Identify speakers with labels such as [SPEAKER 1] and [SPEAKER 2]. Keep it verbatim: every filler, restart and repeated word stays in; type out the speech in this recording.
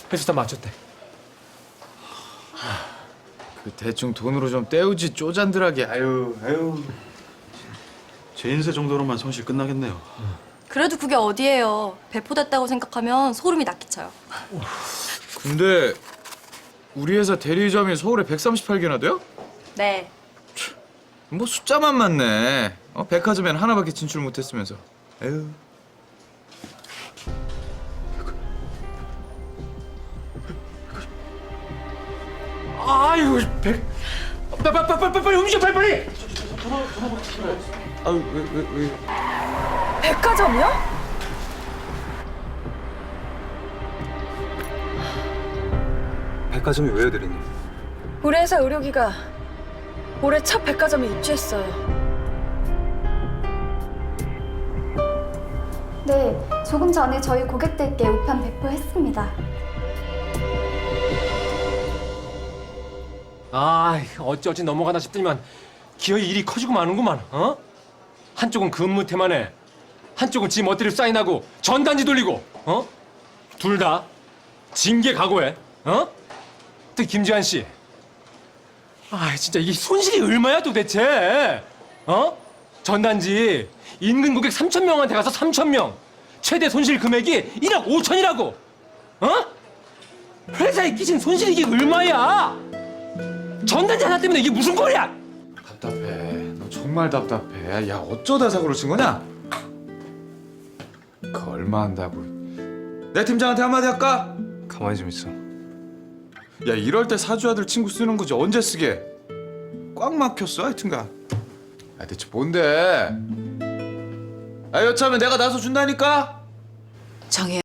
[SPEAKER 1] 회수사 맞췄대.
[SPEAKER 2] 그 대충 돈으로 좀 때우지 쪼잔들하게. 아유 아유.
[SPEAKER 3] 제 인세 정도로만 손실 끝나겠네요.
[SPEAKER 4] 그래도 그게 어디예요. 배포됐다고 생각하면 소름이 낚이쳐요.
[SPEAKER 2] 근데 우리 회사 대리점이 서울에 백삼십팔 개나 돼요?
[SPEAKER 4] 네.
[SPEAKER 2] 뭐 숫자만 맞네. 어, 백화점엔 하나밖에 진출 못했으면서. 에휴.
[SPEAKER 1] 아이고 백. 빨리 빨리 빨리 빨리 움직여 빨리 빨리.
[SPEAKER 2] 아유 왜왜 왜, 왜.
[SPEAKER 4] 백화점이요?
[SPEAKER 5] 백화점이 왜요, 대리님?
[SPEAKER 6] 우리 회사 의료기가 올해 첫 백화점에 입주했어요.
[SPEAKER 7] 네, 조금 전에 저희 고객들께 우편 배포했습니다.
[SPEAKER 1] 아 어찌어찌 넘어가나 싶더니만 기어이 일이 커지고 마는구만. 어? 한쪽은 근무 태만해. 한쪽은 지 멋대로 사인하고 전단지 돌리고. 어? 둘 다 징계 각오해. 어? 특히 김지한 씨. 아 진짜 이게 손실이 얼마야 도대체? 어? 전단지 인근 고객 삼천 명한테 가서 삼천 명. 최대 손실 금액이 일억 오천이라고. 어? 회사에 끼친 손실이 이게 얼마야? 전단지 하나 때문에 이게 무슨 꼴이야?
[SPEAKER 2] 답답해. 너 정말 답답해. 야 어쩌다 사고를 친 거냐? 그 얼마 한다고. 내 팀장한테 한마디 할까?
[SPEAKER 5] 가만히 좀 있어.
[SPEAKER 2] 야 이럴 때 사주 아들 친구 쓰는 거지 언제 쓰게? 꽉 막혔어 하여튼간. 아 대체 뭔데? 아 여차하면 내가 나서 준다니까?
[SPEAKER 4] 정혜